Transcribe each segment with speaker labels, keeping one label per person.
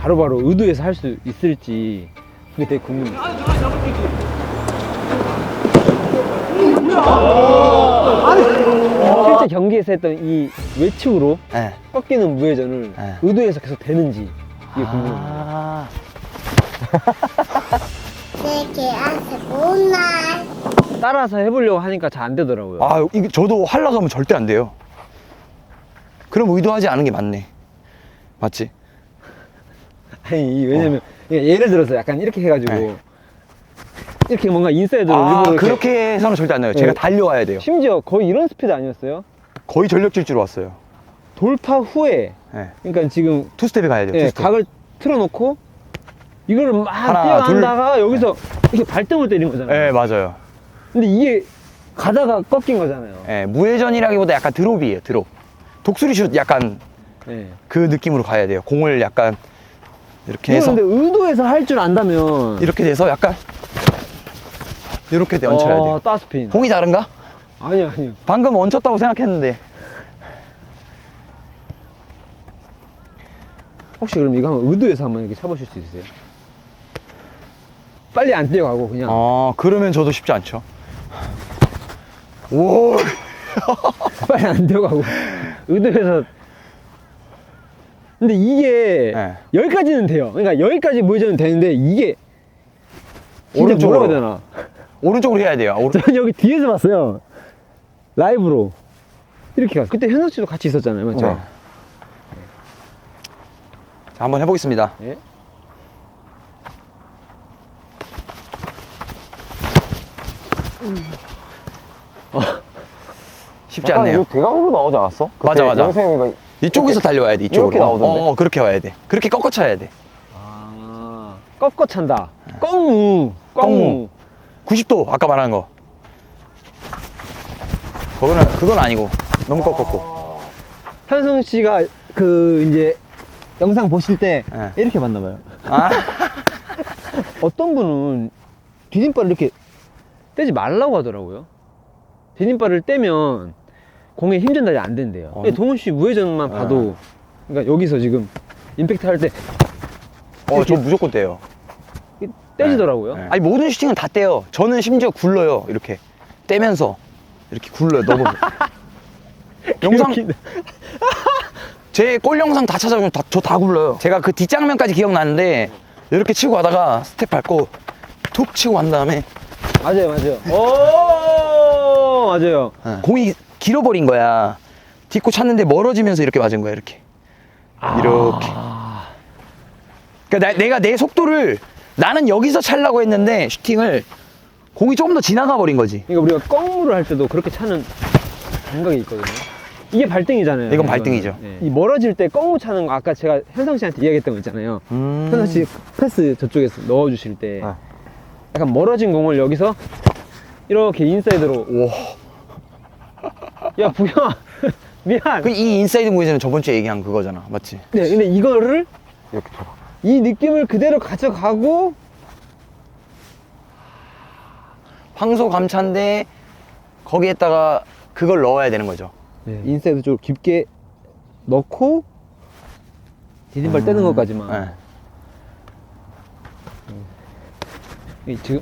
Speaker 1: 바로바로 의도해서 할 수 있을지 그게 되게 궁금해요. 실제 경기에서 했던 이 외측으로
Speaker 2: 네.
Speaker 1: 꺾이는 무회전을
Speaker 2: 네.
Speaker 1: 의도해서 계속 되는지 이게 궁금해요.
Speaker 2: 아.
Speaker 3: 내 개한테 못날.
Speaker 1: 따라서 해보려고 하니까 잘 안 되더라고요.
Speaker 2: 아, 이게 저도 하려고 하면 절대 안 돼요. 그럼 의도하지 않은 게 맞네. 맞지?
Speaker 1: 아니 왜냐면 예를 들어서 약간 이렇게 해가지고
Speaker 2: 네.
Speaker 1: 이렇게 뭔가 인사이드로
Speaker 2: 아,
Speaker 1: 일부러 이렇게
Speaker 2: 그렇게 해서는 절대 안 돼요. 제가
Speaker 1: 네.
Speaker 2: 달려와야 돼요.
Speaker 1: 심지어 거의 이런 스피드 아니었어요?
Speaker 2: 거의 전력 질주로 왔어요.
Speaker 1: 돌파 후에
Speaker 2: 네.
Speaker 1: 그러니까 지금
Speaker 2: 투스텝에 가야 돼요.
Speaker 1: 예,
Speaker 2: 투스텝.
Speaker 1: 각을 틀어놓고 이거를 막
Speaker 2: 하나,
Speaker 1: 뛰어간다가 여기서 이렇게 발등을 때린 거잖아요.
Speaker 2: 네, 맞아요.
Speaker 1: 근데 이게 가다가 꺾인 거잖아요.
Speaker 2: 네, 무회전이라기보다 약간 드롭이에요. 드롭. 독수리 슛 약간
Speaker 1: 예.
Speaker 2: 그 느낌으로 가야 돼요. 공을 약간 이렇게
Speaker 1: 이거
Speaker 2: 해서
Speaker 1: 근데 의도해서 할 줄 안다면
Speaker 2: 이렇게 돼서 약간 이렇게 얹혀야 돼요.
Speaker 1: 따스핀.
Speaker 2: 공이 다른가?
Speaker 1: 아니요.
Speaker 2: 방금 얹혔다고 생각했는데.
Speaker 1: 혹시 그럼 이거 한번 의도해서 한번 이렇게 쳐보실 수 있으세요? 빨리 안 뛰어가고 그냥.
Speaker 2: 그러면 저도 쉽지 않죠. 오.
Speaker 1: 빨리 안 뛰어가고 의도해서. 근데 이게
Speaker 2: 네.
Speaker 1: 여기까지는 돼요. 그러니까 여기까지 무회전은 되는데 이게 진짜
Speaker 2: 오른쪽으로.
Speaker 1: 뭐라고 해야 되나?
Speaker 2: 오른쪽으로 해야 돼요.
Speaker 1: 저는 여기 뒤에서 봤어요. 라이브로 이렇게 갔어요. 그때 현석 씨도 같이 있었잖아요, 맞죠?
Speaker 2: 네. 자, 한번 해보겠습니다.
Speaker 1: 예?
Speaker 2: 쉽지 않네요.
Speaker 4: 대각으로 나오지 않았어?
Speaker 2: 맞아, 맞아.
Speaker 4: 영생이가
Speaker 2: 이쪽에서 달려와야 돼. 이쪽으로.
Speaker 4: 이렇게 나오던데?
Speaker 2: 그렇게 와야 돼. 그렇게 꺾어 쳐야 돼.
Speaker 1: 꺾어 찬다. 꺾무.
Speaker 2: 90도 아까 말한 거. 그건 아니고 너무 꺾었고.
Speaker 1: 현성 씨가 그 이제 영상 보실 때
Speaker 2: 네.
Speaker 1: 이렇게 봤나 봐요.
Speaker 2: 아,
Speaker 1: 어떤 분은 디딤발을 이렇게 떼지 말라고 하더라고요. 디딤발을 떼면 공에 힘 전달이 안 된대요. 근데 동훈 씨 무회전만 봐도 그러니까 여기서 지금 임팩트 할 때
Speaker 2: 저 무조건 떼요.
Speaker 1: 떼지더라고요.
Speaker 2: 아니 모든 슈팅은 다 떼요. 저는 심지어 굴러요. 이렇게 떼면서 이렇게 굴러요. 너무 영상 제 골 영상 다 찾아보면 저 다 굴러요. 제가 그 뒷장면까지 기억나는데 이렇게 치고 가다가 스텝 밟고 툭 치고 간 다음에
Speaker 1: 맞아요. 오, 맞아요.
Speaker 2: 공이 길어버린 거야. 딛고 찼는데 멀어지면서 이렇게 맞은 거야. 이렇게 이렇게. 그러니까 내가 내 속도를 나는 여기서 차려고 했는데 슈팅을 공이 조금 더 지나가 버린 거지.
Speaker 1: 그러니까 우리가 꺾무를 할 때도 그렇게 차는 감각이 있거든요. 이게 발등이잖아요.
Speaker 2: 이건 발등이죠.
Speaker 1: 네. 이 멀어질 때 꺾무 차는 거 아까 제가 현성 씨한테 이야기했던 거 있잖아요. 현성 씨 패스 저쪽에서 넣어주실 때 약간 멀어진 공을 여기서 이렇게 인사이드로. 야 부영아 미안.
Speaker 2: 이 인사이드 무회전은 저번 주에 얘기한 그거잖아. 맞지?
Speaker 1: 네, 근데 이거를
Speaker 4: 이렇게 쳐봐.
Speaker 1: 이 느낌을 그대로 가져가고
Speaker 2: 황소 감차인데 거기에다가 그걸 넣어야 되는 거죠.
Speaker 1: 인사이드 쪽으로 깊게 넣고 디딤발 떼는 것까지만.
Speaker 2: 네.
Speaker 1: 지금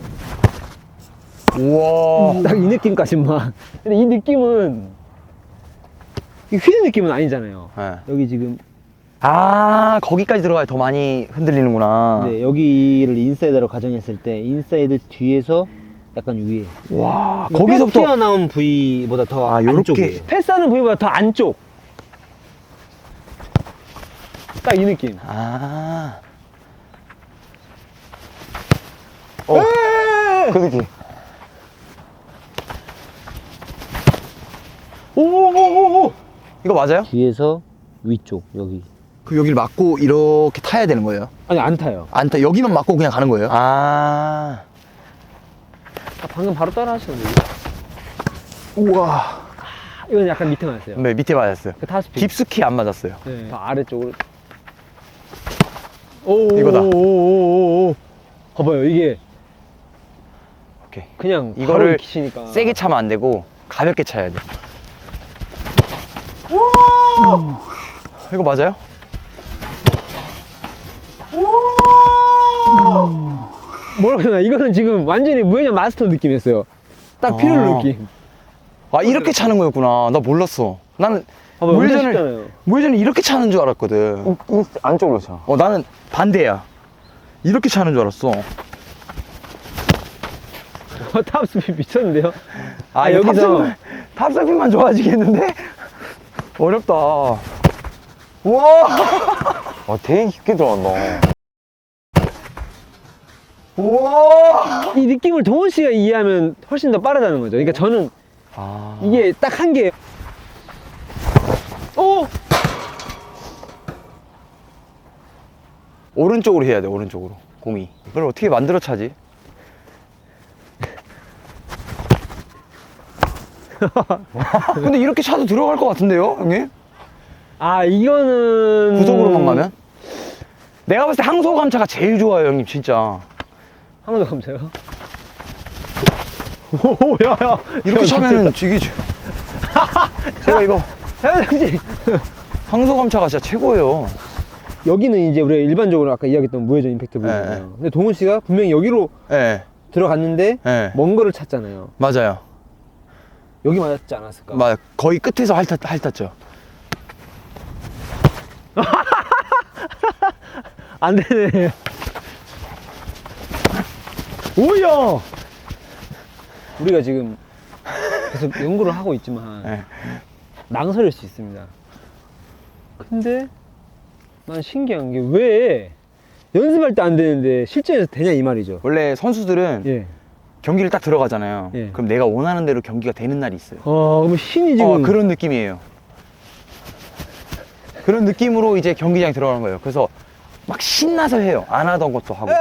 Speaker 2: 우와.
Speaker 1: 딱 이 느낌까지만. 근데 이 느낌은 이 휘는 느낌은 아니잖아요.
Speaker 2: 네.
Speaker 1: 여기 지금
Speaker 2: 거기까지 들어가야 더 많이 흔들리는구나.
Speaker 1: 네, 여기를 인사이드로 가정했을 때 인사이드 뒤에서 약간 위에.
Speaker 2: 와,
Speaker 1: 뼈
Speaker 2: 거기서부터
Speaker 1: 튀어나온 부위보다 더
Speaker 2: 요렇게.
Speaker 1: 안쪽이에요. 패스하는 부위보다 더 안쪽. 딱 이 느낌.
Speaker 4: 그 느낌.
Speaker 2: 오오오오. 이거 맞아요?
Speaker 1: 뒤에서 위쪽 여기.
Speaker 2: 그 여기를 맞고 이렇게 타야 되는 거예요?
Speaker 1: 아니 안 타요.
Speaker 2: 안 타. 여기만 맞고 그냥 가는 거예요?
Speaker 1: 방금 바로 따라 하셨는데.
Speaker 2: 우와.
Speaker 1: 이건 약간 밑에 맞았어요.
Speaker 2: 네, 밑에 맞았어요.
Speaker 1: 그 타스피.
Speaker 2: 깊숙이 안 맞았어요.
Speaker 1: 네. 더 아래쪽으로.
Speaker 2: 이거다.
Speaker 1: 오오오오오. 봐봐요 이게
Speaker 2: 오케이.
Speaker 1: 그냥
Speaker 2: 이거를
Speaker 1: 치니까
Speaker 2: 세게 차면 안 되고 가볍게 차야 돼. 이거 맞아요?
Speaker 1: 뭐라고 해야 되나? 이거는 지금 완전히 무회전 마스터 느낌이었어요. 딱 필요한
Speaker 2: 아.
Speaker 1: 느낌.
Speaker 2: 아, 이렇게 차는 거였구나. 나 몰랐어. 나는
Speaker 1: 봐봐, 완전
Speaker 2: 무회전을,
Speaker 1: 쉽잖아요.
Speaker 2: 무회전을 이렇게 차는 줄 알았거든.
Speaker 4: 이 안쪽으로 차.
Speaker 2: 나는 반대야. 이렇게 차는 줄 알았어.
Speaker 1: 탑스피드 미쳤는데요?
Speaker 2: 아,
Speaker 1: 여기서
Speaker 2: 탑스핀만 좋아지겠는데? 어렵다. 우와!
Speaker 4: 되게 깊게 들어간다.
Speaker 2: 우와!
Speaker 1: 이 느낌을 동원 씨가 이해하면 훨씬 더 빠르다는 거죠. 그러니까 저는
Speaker 2: 아.
Speaker 1: 이게 딱 한 개. 오!
Speaker 2: 오른쪽으로 해야 돼, 오른쪽으로. 공이. 그걸 어떻게 만들어 차지? 근데 이렇게 차도 들어갈 것 같은데요, 형님?
Speaker 1: 아, 이거는.
Speaker 2: 구속으로만 가면? 내가 봤을 때 항소 감차가 제일 좋아요, 형님, 진짜.
Speaker 1: 한 번 더 감사요. 오, 야, 야.
Speaker 2: 이렇게 차면은 죽이죠. 제가 이거
Speaker 1: 사장님.
Speaker 2: 항소 감차가 진짜 최고예요.
Speaker 1: 여기는 이제 우리가 일반적으로 아까 이야기했던 무회전 임팩트 부분이잖아요.
Speaker 2: 네.
Speaker 1: 근데 동훈 씨가 분명히 여기로
Speaker 2: 예,
Speaker 1: 들어갔는데
Speaker 2: 예.
Speaker 1: 먼 거를 찾잖아요.
Speaker 2: 맞아요.
Speaker 1: 여기 맞았지 않았을까?
Speaker 2: 거의 끝에서 핥았죠.
Speaker 1: 안 되네. 오야! 우리가 지금 계속 연구를 하고 있지만
Speaker 2: 예.
Speaker 1: 망설일 수 있습니다. 근데 난 신기한 게 왜 연습할 때 안 되는데 실전에서 되냐 이 말이죠.
Speaker 2: 원래 선수들은
Speaker 1: 예.
Speaker 2: 경기를 딱 들어가잖아요.
Speaker 1: 예.
Speaker 2: 그럼 내가 원하는 대로 경기가 되는 날이 있어요.
Speaker 1: 그럼 신이 지금
Speaker 2: 그런 느낌이에요. 그런 느낌으로 이제 경기장에 들어가는 거예요. 그래서 막 신나서 해요. 안 하던 것도 하고.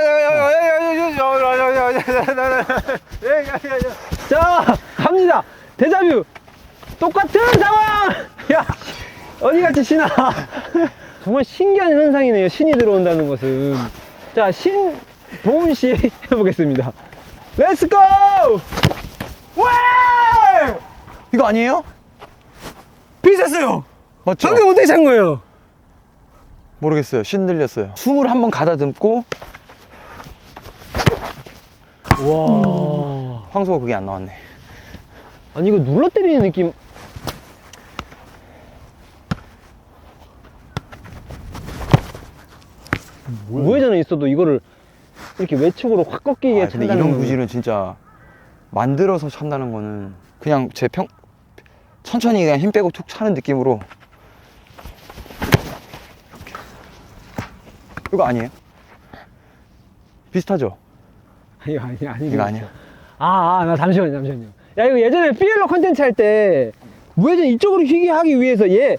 Speaker 1: 자, 갑니다. 데자뷰. 똑같은 상황. 야, 어디같이 신아. 정말 신기한 현상이네요. 신이 들어온다는 것은. 자, 신 동훈 씨 해보겠습니다. 렛츠 고! 와!
Speaker 2: 이거 아니에요?
Speaker 1: 비슷했어요.
Speaker 2: 맞죠?
Speaker 1: 방금 어떻게 찬 거예요?
Speaker 2: 모르겠어요. 신 들렸어요. 숨을 한번 가다듬고
Speaker 1: 와.
Speaker 2: 황소가 그게 안 나왔네.
Speaker 1: 아니 이거 눌러 때리는 느낌. 무회전에 있어도 이거를 이렇게 외측으로 확 꺾이게
Speaker 2: 근데
Speaker 1: 찬다는
Speaker 2: 이런
Speaker 1: 건
Speaker 2: 구질은 진짜 만들어서 찬다는 거는 그냥 천천히 그냥 힘 빼고 툭 차는 느낌으로. 이거 아니에요? 비슷하죠?
Speaker 1: 이거 아니
Speaker 2: 이거 아니야?
Speaker 1: 나 잠시만요. 야, 이거 예전에 피엘로 컨텐츠 할 때 무회전 이쪽으로 휘게 하기 위해서 얘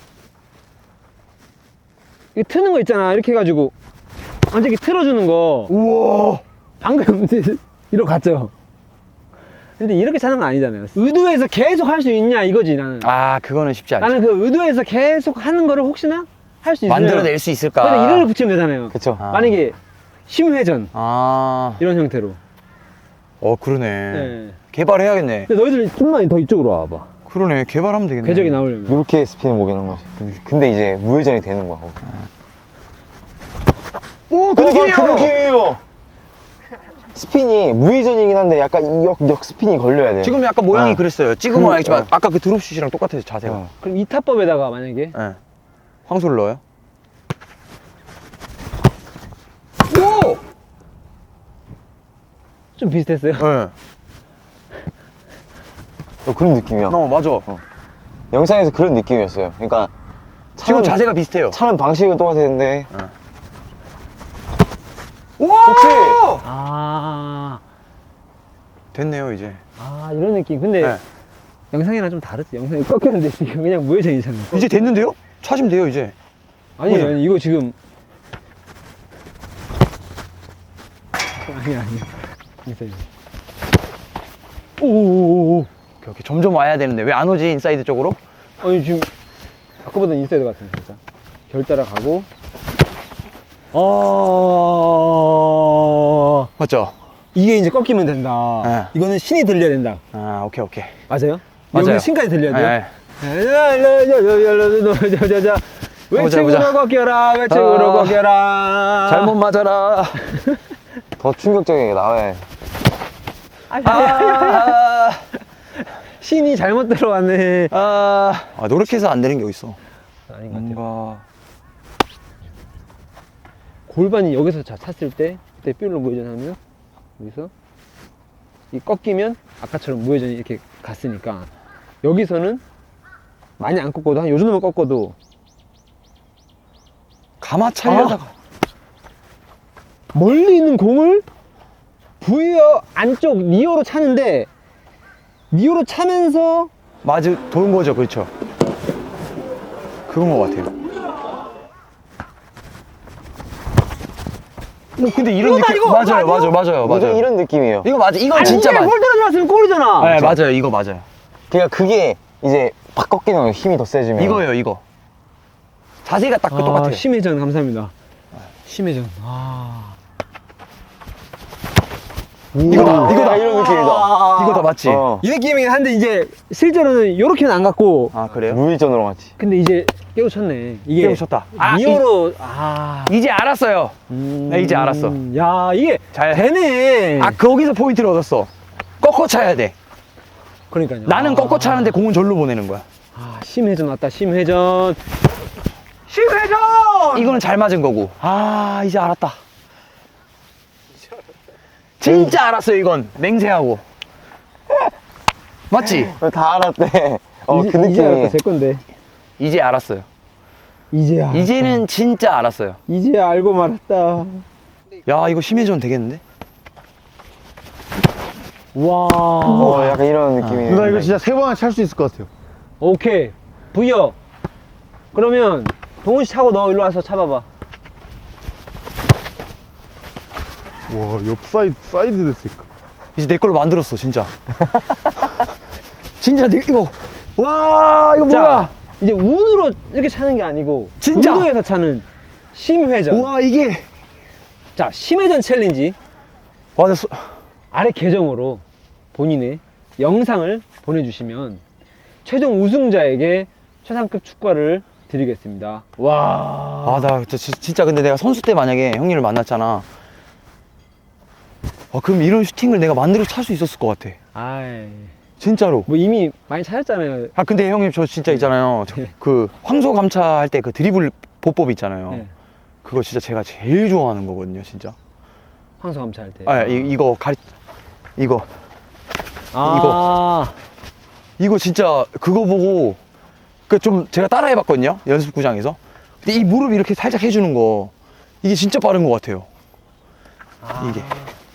Speaker 1: 이거 트는 거 있잖아. 이렇게 해가지고 완전히 틀어주는 거.
Speaker 2: 우와.
Speaker 1: 방금 이러고 갔죠. 근데 이렇게 차는 건 아니잖아요. 의도해서 계속 할 수 있냐 이거지 나는.
Speaker 2: 그거는 쉽지 않죠.
Speaker 1: 나는 그 의도해서 계속 하는 거를 혹시나 할 수 있으면
Speaker 2: 만들어낼 수 있을까?
Speaker 1: 그냥 이름을 붙이면 되잖아요.
Speaker 4: 그쵸.
Speaker 1: 만약에 심회전 이런 형태로.
Speaker 2: 그러네.
Speaker 1: 네.
Speaker 2: 개발해야겠네.
Speaker 1: 근데 너희들 좀만 더 이쪽으로 와봐.
Speaker 2: 그러네. 개발하면 되겠네.
Speaker 1: 궤적이 나오려면.
Speaker 4: 이렇게 스피드 먹이는 거지. 근데 이제 무회전이 되는 거야.
Speaker 2: 오, 그 느낌이에요.
Speaker 4: 그 느낌이에요. 스핀이 무회전이긴 한데 약간 역 스핀이 걸려야 돼.
Speaker 2: 지금 약간 모양이 그랬어요. 찍으면
Speaker 4: 그-
Speaker 2: 알겠지만 아까 그 드롭슛이랑 똑같아요. 자세가.
Speaker 4: 어.
Speaker 1: 그럼 이 타법에다가 만약에
Speaker 2: 네. 황소를 넣어요. 오!
Speaker 1: 좀 비슷했어요.
Speaker 2: 네.
Speaker 4: 그런 느낌이야.
Speaker 2: 맞아.
Speaker 4: 영상에서 그런 느낌이었어요. 그러니까
Speaker 2: 지금 자세가 비슷해요.
Speaker 4: 차는 방식은 똑같았는데
Speaker 2: 우와!
Speaker 1: 아,
Speaker 2: 됐네요, 이제.
Speaker 1: 이런 느낌. 근데
Speaker 2: 네.
Speaker 1: 영상이랑 좀 다르지. 영상이 꺾였는데 지금 그냥 무회전이잖아요.
Speaker 2: 이제 됐는데요? 차시면 돼요, 이제.
Speaker 1: 아니 이거 지금 아니야. 인사이드. 오오오오.
Speaker 2: 오케이. 점점 와야 되는데 왜 안 오지, 인사이드 쪽으로?
Speaker 1: 아니 지금 아까보다 인사이드 같은데 진짜. 결 따라가고.
Speaker 2: 맞죠?
Speaker 1: 이게 이제 꺾이면 된다.
Speaker 2: 네.
Speaker 1: 이거는 신이 들려야 된다.
Speaker 2: 오케이.
Speaker 1: 맞아요?
Speaker 2: 맞아요.
Speaker 1: 여기 신까지 들려야 돼요?
Speaker 2: 네.
Speaker 1: 자, 외측으로 꺾여라, 외측으로 꺾여라.
Speaker 2: 잘못 맞아라.
Speaker 4: 더 충격적인 게 나와야 해.
Speaker 1: 신이 잘못 들어왔네.
Speaker 2: 노력해서 안 되는 게 어딨어.
Speaker 1: 아닌 것 같아요.
Speaker 2: 뭔가.
Speaker 1: 골반이 여기서 찼을 때, 그때 뾰로 무회전하면, 여기서, 이 꺾이면, 아까처럼 무회전이 이렇게 갔으니까, 여기서는 많이 안 꺾어도, 한 요 정도만 꺾어도,
Speaker 2: 가마차려다가.
Speaker 1: 멀리 있는 공을 부여 안쪽 니어로 차는데, 니어로 차면서,
Speaker 2: 맞아, 도는 거죠. 그렇죠. 그런 것 같아요. 근데 이런
Speaker 1: 이거다,
Speaker 2: 느낌.
Speaker 1: 이거!
Speaker 2: 맞아요,
Speaker 1: 아니요?
Speaker 2: 맞아요.
Speaker 4: 무조건 이런 느낌이에요.
Speaker 2: 이거 맞아. 이건
Speaker 1: 아니,
Speaker 2: 진짜
Speaker 1: 이게
Speaker 2: 맞아.
Speaker 1: 볼 들어갔으면 골이잖아.
Speaker 2: 네, 맞아요. 이거 맞아요.
Speaker 4: 그러니까 그게 이제 팍 꺾이는 거 힘이 더 세지면.
Speaker 2: 이거예요, 이거. 자세가 딱 똑같아요.
Speaker 1: 심회전 감사합니다. 심회전.
Speaker 2: 이거다.
Speaker 4: 이런 느낌이다.
Speaker 2: 이거 다 맞지?
Speaker 4: 어.
Speaker 1: 이 느낌이긴 한데 이제 실제로는 이렇게는 안 갔고
Speaker 2: 아, 그래요?
Speaker 4: 무회전으로 갔지.
Speaker 1: 근데 이제 깨우쳤네. 이게
Speaker 2: 깨우쳤다.
Speaker 1: 니어로
Speaker 2: 이제 알았어요. 나 이제 알았어.
Speaker 1: 야 이게
Speaker 2: 잘.
Speaker 1: 되네.
Speaker 2: 거기서 포인트를 얻었어. 꺾어 차야 돼.
Speaker 1: 그러니까요.
Speaker 2: 나는 꺾어 차는데 공은 절로 보내는 거야.
Speaker 1: 심회전 왔다. 심회전. 심회전.
Speaker 2: 이거는 잘 맞은 거고. 이제 알았다. 진짜 알았어요, 이건. 맹세하고. 맞지?
Speaker 4: 다 알았대. 그
Speaker 1: 이제
Speaker 4: 느낌이.
Speaker 1: 알았다. 제 건데.
Speaker 2: 이제 알았어요.
Speaker 1: 이제야.
Speaker 2: 이제는 진짜 알았어요.
Speaker 1: 이제 알고 말았다.
Speaker 2: 야, 이거 심해전 되겠는데?
Speaker 1: 와.
Speaker 4: 약간 이런 느낌이네.
Speaker 5: 누나 이거 진짜 3번은 찰 수 있을 것 같아요.
Speaker 1: 오케이. 부여. 그러면 동훈 씨 차고 너 일로 와서 차봐봐.
Speaker 5: 와, 옆 사이드 됐으니까.
Speaker 2: 이제 내 걸로 만들었어, 진짜. 진짜 이거. 와, 이거 뭐야?
Speaker 1: 자, 이제 운으로 이렇게 차는 게 아니고
Speaker 2: 진짜?
Speaker 1: 운동에서 차는 심회전.
Speaker 2: 우와, 이게.
Speaker 1: 자, 심회전 챌린지
Speaker 2: 와,
Speaker 1: 아래 계정으로 본인의 영상을 보내주시면 최종 우승자에게 최상급 축구화를 드리겠습니다. 와.
Speaker 2: 나 진짜 근데 내가 선수 때 만약에 형님을 만났잖아. 그럼 이런 슈팅을 내가 만들어서 찰 수 있었을 것 같아.
Speaker 1: 아이,
Speaker 2: 진짜로.
Speaker 1: 뭐 이미 많이 찾았잖아요.
Speaker 2: 근데 형님 저 진짜 있잖아요. 그 황소 감차할 때 그 드리블 보법 있잖아요.
Speaker 1: 네.
Speaker 2: 그거 진짜 제가 제일 좋아하는 거거든요, 진짜.
Speaker 1: 황소 감차할 때.
Speaker 2: 이거
Speaker 1: 아.
Speaker 2: 이거 진짜 그거 보고 좀 제가 따라해봤거든요, 연습구장에서. 근데 이 무릎 이렇게 살짝 해주는 거 이게 진짜 빠른 것 같아요. 이게.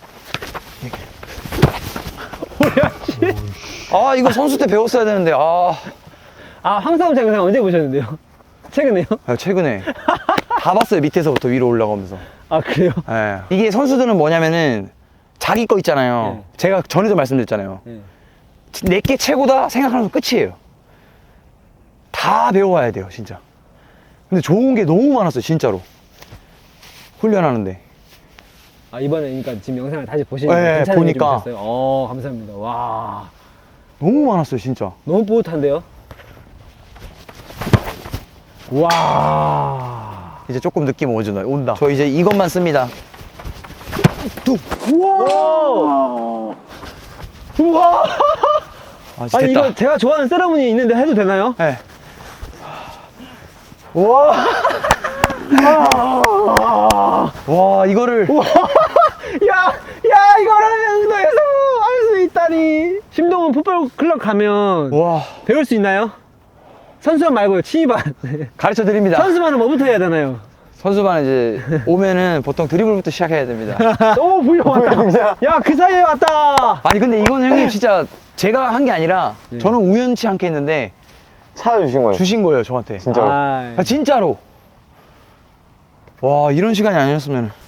Speaker 2: 이거 선수 때 배웠어야 되는데.
Speaker 1: 황소 감차 영상 언제 보셨는데요? 최근에요?
Speaker 2: 최근에 다 봤어요. 밑에서부터 위로 올라가면서.
Speaker 1: 그래요?
Speaker 2: 예. 이게 선수들은 뭐냐면은 자기 거 있잖아요.
Speaker 1: 네.
Speaker 2: 제가 전에도 말씀드렸잖아요.
Speaker 1: 네.
Speaker 2: 내게 최고다 생각하면서 끝이에요. 다 배워와야 돼요, 진짜. 근데 좋은 게 너무 많았어요, 진짜로. 훈련하는데.
Speaker 1: 이번에 그러니까 지금 영상을 다시 보시니까
Speaker 2: 네,
Speaker 1: 괜찮은
Speaker 2: 보니까.
Speaker 1: 느낌 드셨어요? 감사합니다. 와.
Speaker 2: 너무 많았어요, 진짜.
Speaker 1: 너무 뿌듯한데요? 와.
Speaker 2: 이제 조금 느낌 온다. 저 이제 이것만 씁니다.
Speaker 1: 우와. 우와.
Speaker 2: 진짜
Speaker 1: 아니
Speaker 2: 됐다.
Speaker 1: 이거 제가 좋아하는 세레모니 있는데 해도 되나요?
Speaker 2: 네.
Speaker 1: 와.
Speaker 2: 와, 이거를.
Speaker 1: 야, 이거를 운동에서 할 수 있다니. 심동원 풋볼 클럽 가면
Speaker 2: 와,
Speaker 1: 배울 수 있나요? 선수반 말고요, 취미반.
Speaker 2: 가르쳐 드립니다.
Speaker 1: 선수반은 뭐부터 해야 되나요?
Speaker 2: 선수반 이제 오면은 보통 드리블부터 시작해야 됩니다.
Speaker 1: 오, 부여 왔다. 야, 그 사이에 왔다.
Speaker 2: 아니, 근데 이거는 형님 진짜 제가 한 게 아니라
Speaker 1: 네.
Speaker 2: 저는 우연치 않게 했는데
Speaker 4: 찾아주신 거예요.
Speaker 2: 주신 거예요, 저한테.
Speaker 4: 진짜로.
Speaker 1: 아이.
Speaker 2: 진짜로. 와, 이런 시간이 아니었으면